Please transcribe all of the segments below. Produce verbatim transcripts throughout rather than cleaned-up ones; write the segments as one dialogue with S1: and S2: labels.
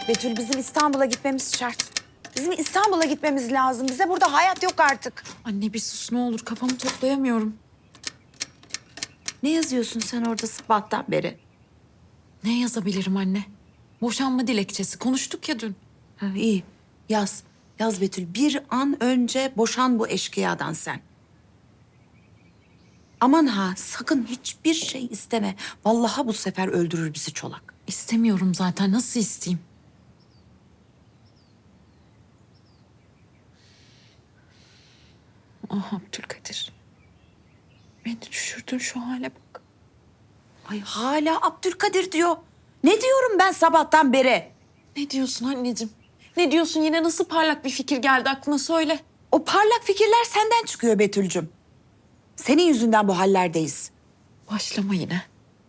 S1: Betül, bizim İstanbul'a gitmemiz şart. Bizim İstanbul'a gitmemiz lazım. Bize burada hayat yok artık.
S2: Anne bir sus ne olur, kafamı toplayamıyorum.
S1: Ne yazıyorsun sen orada sabahtan beri?
S2: Ne yazabilirim anne? Boşanma dilekçesi. Konuştuk ya dün.
S1: Ha, iyi, yaz. Yaz Betül. Bir an önce boşan bu eşkıyadan sen. Aman ha, sakın hiçbir şey isteme. Vallahi bu sefer öldürür bizi Çolak.
S2: İstemiyorum zaten. Nasıl isteyeyim? Ah Abdülkadir. Beni düşürdün şu hale bak.
S1: Ay hala Abdülkadir diyor. Ne diyorum ben sabahtan beri?
S2: Ne diyorsun anneciğim? Ne diyorsun? Yine nasıl parlak bir fikir geldi aklına söyle.
S1: O parlak fikirler senden çıkıyor Betül'cüm. Senin yüzünden bu hallerdeyiz.
S2: Başlama yine.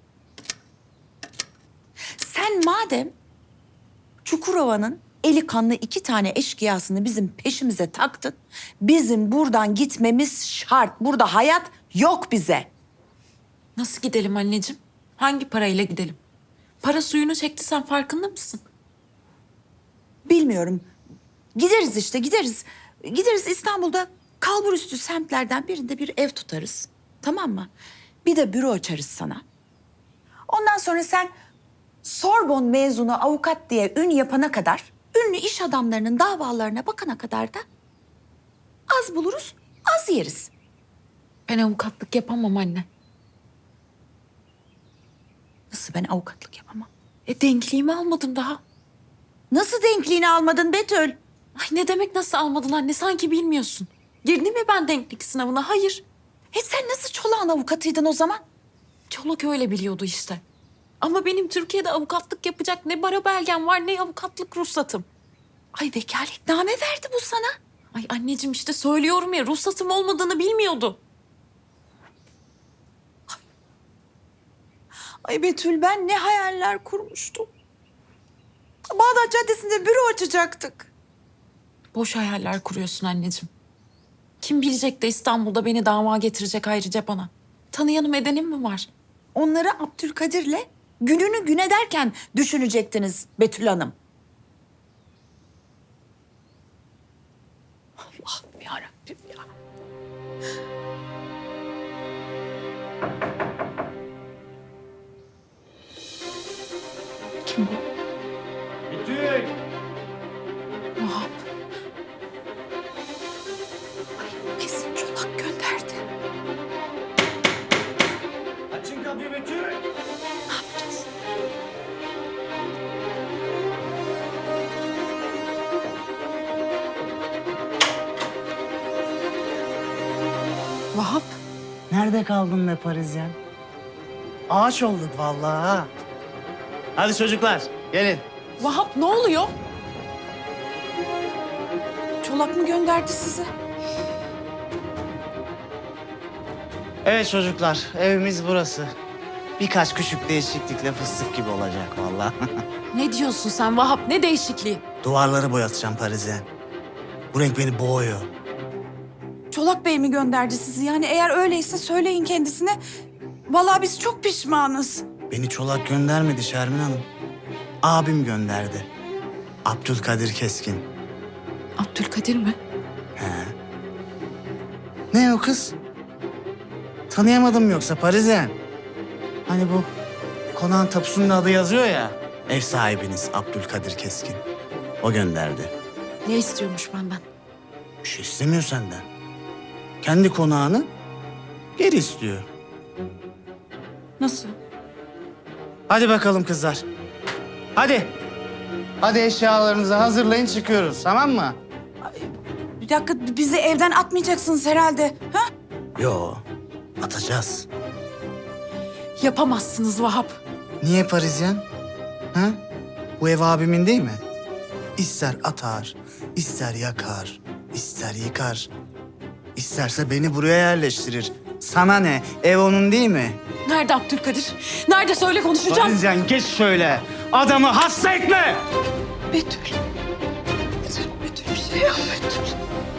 S1: Sen madem Çukurova'nın eli kanlı iki tane eşkıyasını bizim peşimize taktın, bizim buradan gitmemiz şart. Burada hayat yok bize.
S2: Nasıl gidelim anneciğim? Hangi parayla gidelim? Para suyunu çekti, sen farkında mısın?
S1: Bilmiyorum. Gideriz işte, gideriz. Gideriz İstanbul'da kalburüstü semtlerden birinde bir ev tutarız. Tamam mı? Bir de büro açarız sana. Ondan sonra sen Sorbon mezunu avukat diye ün yapana kadar, ünlü iş adamlarının davalarına bakana kadar da az buluruz, az yeriz.
S2: Ben avukatlık yapamam anne.
S1: Nasıl ben avukatlık yapamam?
S2: E denkliğimi almadım daha.
S1: Nasıl denkliğini almadın Betül?
S2: Ay ne demek nasıl almadın anne? Sanki bilmiyorsun. Girdim mi ben denklik sınavına? Hayır.
S1: E sen nasıl Çolak'ın avukatıydın o zaman?
S2: Çolak öyle biliyordu işte. Ama benim Türkiye'de avukatlık yapacak ne bara belgem var ne avukatlık ruhsatım.
S1: Ay vekaletname verdi bu sana.
S2: Ay anneciğim işte söylüyorum ya, ruhsatım olmadığını bilmiyordu.
S1: Ay Betül, ben ne hayaller kurmuştum. Bağdat Caddesi'nde büro açacaktık.
S2: Boş hayaller kuruyorsun anneciğim. Kim bilecek de İstanbul'da beni dava getirecek ayrıca bana. Tanıyanım edenim mi var?
S1: Onları Abdülkadir'le gününü gün ederken düşünecektiniz Betül Hanım. Allah'ım yarabbim ya. Kim bu?
S3: Betül!
S2: Vahap.
S1: Ay kesin Çolak gönderdi.
S3: Açın kapıyı Betül!
S1: Ne yapacağız?
S2: Vahap.
S3: Nerede kaldın be Parisyen? Ağaç olduk vallahi ha. Hadi çocuklar gelin.
S2: Vahap ne oluyor?
S1: Çolak mı gönderdi sizi?
S3: Evet çocuklar evimiz burası. Birkaç küçük değişiklikle fıstık gibi olacak vallahi.
S2: Ne diyorsun sen Vahap? Ne değişikliği?
S3: Duvarları boyatacağım Parisyen. Bu renk beni boğuyor.
S1: Çolak Bey mi gönderdi sizi? Yani eğer öyleyse söyleyin kendisine. Vallahi biz çok pişmanız.
S3: Beni Çolak göndermedi Şermin Hanım. Abim gönderdi. Abdülkadir Keskin.
S2: Abdülkadir mi?
S3: He. Ne o kız? Tanıyamadım yoksa Parisyen? Hani bu konağın tapusunun adı yazıyor ya. Ev sahibiniz Abdülkadir Keskin. O gönderdi.
S2: Ne istiyormuş benden?
S3: Bir şey istemiyor senden. Kendi konağını geri istiyor.
S1: Nasıl?
S3: Hadi bakalım kızlar. Hadi. Hadi eşyalarınızı hazırlayın çıkıyoruz tamam mı?
S1: Bir dakika, bizi evden atmayacaksınız herhalde. Ha?
S3: Yo atacağız.
S2: Yapamazsınız Vahap.
S3: Niye Parisyen? Ha? Bu ev abimin değil mi? İster atar, ister yakar, ister yıkar. İsterse beni buraya yerleştirir. Sana ne? Ev onun değil mi?
S2: Nerede Abdülkadir? Nerede söyle konuşacağım.
S3: Parisyen geç şöyle. Adamı hasta etme.
S1: Betül. Betül, Betül bir şey yap Betül.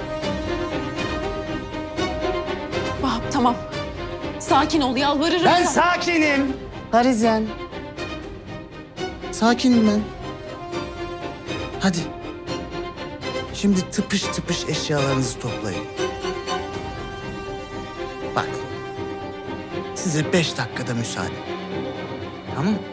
S2: Vahap tamam. Sakin ol yalvarırım.
S3: Ben
S2: sana.
S3: sakinim. Parisyen. Sakinim ben. Hadi. Şimdi tıpış tıpış eşyalarınızı toplayın. Bak. Size beş dakikada müsaade. Tamam mı?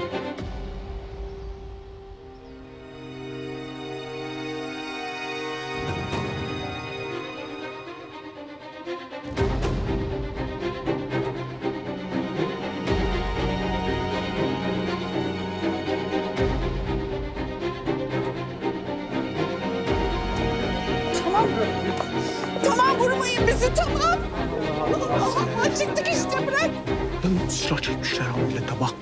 S1: Tamam. Tamam vurmayın bizi tamam. Allah çıktık işte bırak.
S4: Lan silah çekmişler ha millete bak.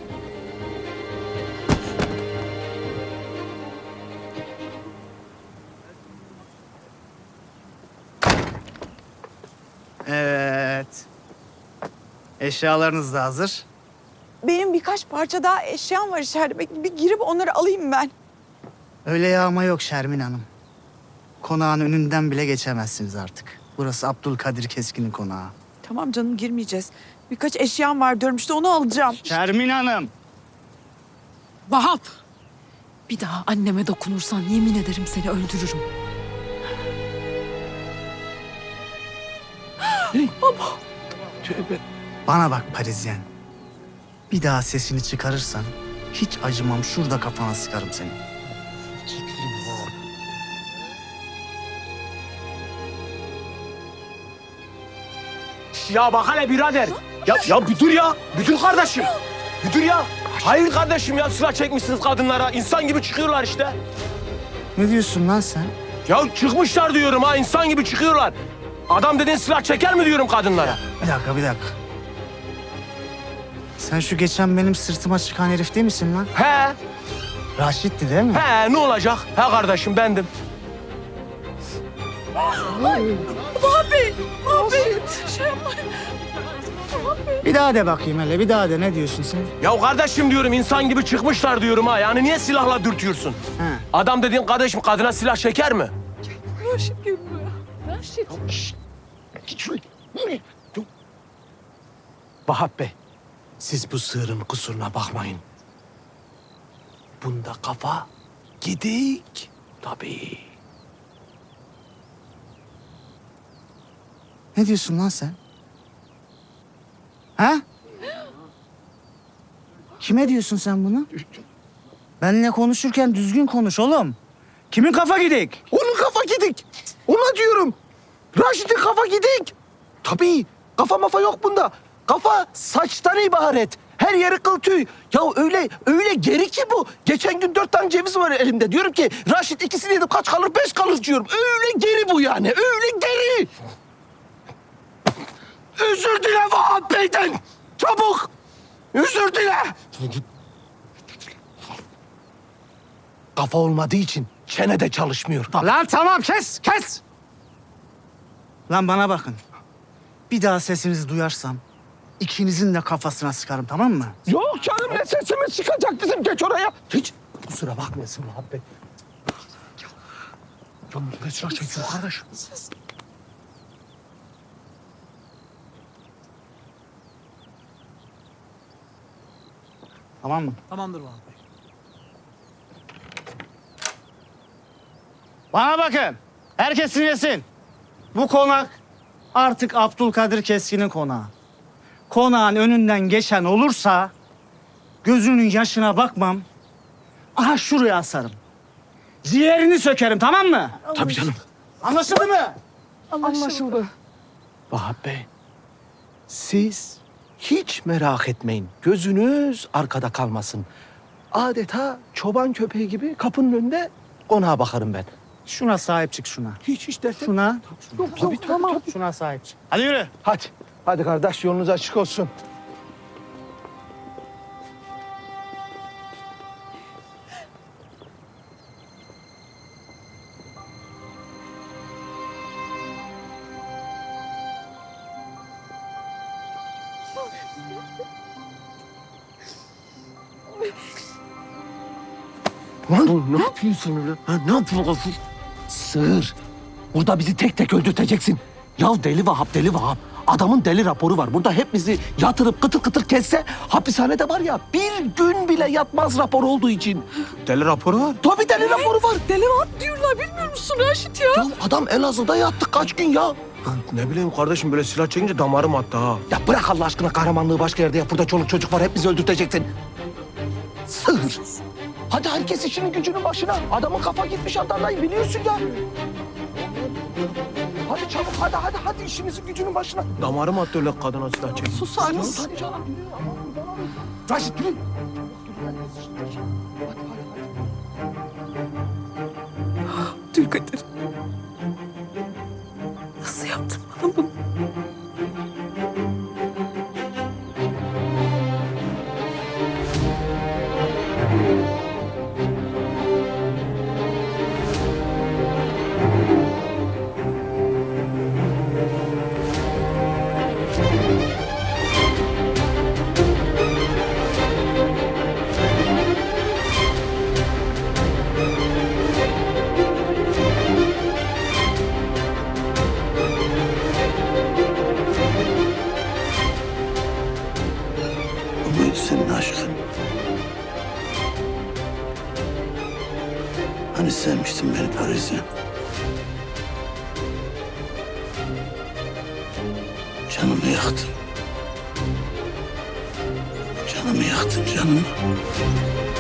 S3: Evet. Eşyalarınız da hazır.
S5: Benim birkaç parça daha eşyam var içeride. Bir bir girip onları alayım ben.
S3: Öyle yağma yok Şermin Hanım. Konağın önünden bile geçemezsiniz artık. Burası Abdülkadir Keskin'in konağı.
S5: Tamam canım girmeyeceğiz. Birkaç eşyam var diyorum işte onu alacağım.
S3: Şermin Hanım.
S2: Vahap! Bir daha anneme dokunursan yemin ederim seni öldürürüm.
S4: Tövbe.
S3: Bana bak Parisyen. Bir daha sesini çıkarırsan hiç acımam, şurada kafana sıkarım seni.
S4: Ya bak hele birader. Ya, ya bir dur ya. Bir dur kardeşim. Bir dur ya. Hayır kardeşim ya silah çekmişsiniz kadınlara. İnsan gibi çıkıyorlar işte.
S3: Ne diyorsun lan sen?
S4: Ya çıkmışlar diyorum ha insan gibi çıkıyorlar. Adam dediğin silah çeker mi diyorum kadınlara?
S3: Bir dakika, bir dakika. Sen şu geçen benim sırtıma çıkan herif değil misin lan?
S4: He.
S3: Raşit'ti değil mi?
S4: He ne olacak? He kardeşim bendim.
S3: Bir daha de bakayım hele, bir daha de. Ne diyorsun sen?
S4: Ya kardeşim diyorum insan gibi çıkmışlar diyorum ha. Yani niye silahla dürtüyorsun?
S3: He.
S4: Adam dediğin kardeşim kadına silah çeker mi? Vahap Bey, siz bu sığırın kusuruna bakmayın. Bunda kafa gidik tabii.
S3: Ne diyorsun lan sen? Ha? Kime diyorsun sen bunu? Benimle konuşurken düzgün konuş oğlum. Kimin kafa gidik?
S4: Onun kafa gidik. Ona diyorum. Raşit'in kafa gidik. Tabii kafa mafa yok bunda. Kafa saçtan ibaret. Her yeri kıl tüy. Ya öyle öyle geri ki bu. Geçen gün dört tane ceviz var elimde. Diyorum ki Raşit ikisini yedim kaç kalır? Beş kalır diyorum. Öyle geri bu yani. Öyle geri. Özür dile Vahap Bey'den. Çabuk. Özür dile. Kafa olmadığı için çene de çalışmıyor.
S3: Lan tamam, kes kes. Lan bana bakın. Bir daha sesinizi duyarsam ikinizin de kafasına sıkarım, tamam mı?
S4: Yok canım ne sesimiz çıkacak bizim geç oraya. Hiç kusura bakmayasın Vahap Bey. Ya, ya ne silah çekiyor kardeş?
S3: Tamam mı?
S6: Tamamdır Vahap Bey.
S3: Bana bakın. Herkes dinlesin. Bu konak artık Abdülkadir Keskin'in konağı. Konağın önünden geçen olursa gözünün yaşına bakmam. Aha şuraya asarım. Ciğerini sökerim, tamam mı?
S4: Tabii canım.
S3: Anlaşıldı mı?
S5: Anlaşıldı.
S4: Vahap Bey, siz hiç merak etmeyin. Gözünüz arkada kalmasın. Adeta çoban köpeği gibi kapının önünde konağa bakarım ben.
S3: Şuna sahip çık şuna.
S4: Hiç hiç dert etme.
S3: Şuna.
S4: Tabii, tabii, tamam.
S3: Şuna sahip çık. Hadi yürü.
S4: Hadi. Hadi kardeş yolunuz açık olsun. Lan ne yapıyorsun öyle? Ha, ne yapıyorsun? Sığır. Burada bizi tek tek öldürteceksin. Ya deli Vahap, deli Vahap. Adamın deli raporu var. Burada hepimizi yatırıp kıtır kıtır kesse hapishanede var ya bir gün bile yatmaz rapor olduğu için.
S6: Deli raporu var.
S4: Tabii deli raporu var.
S5: Deli at diyorlar bilmiyor musun Raşit ya?
S4: Ya adam Elazığ'da yattı kaç gün ya.
S6: Ne bileyim kardeşim böyle silah çekince damarım attı ha.
S4: Ya bırak Allah aşkına kahramanlığı başka yerde yap. Burada çoluk çocuk var hepimizi öldürteceksin. Sığır. Hadi herkes işinin gücünün başına. Adamın kafa gitmiş Adana'yı biliyorsun ya. Hadi çabuk hadi hadi hadi işimizin gücünün başına.
S6: Damarım attı öyle kadına silah çekince.
S5: Susar mısın?
S4: Hadi canım yürü. Aman kurban olayım. Raşit yürü. Hadi, hadi, hadi.
S5: Dülkadir. Nasıl yaptın bana bunu?
S3: Bu muydu senin aşkın? Hani sevmiştin beni Paris'e? Canımı yaktın. Canımı yaktın canımı.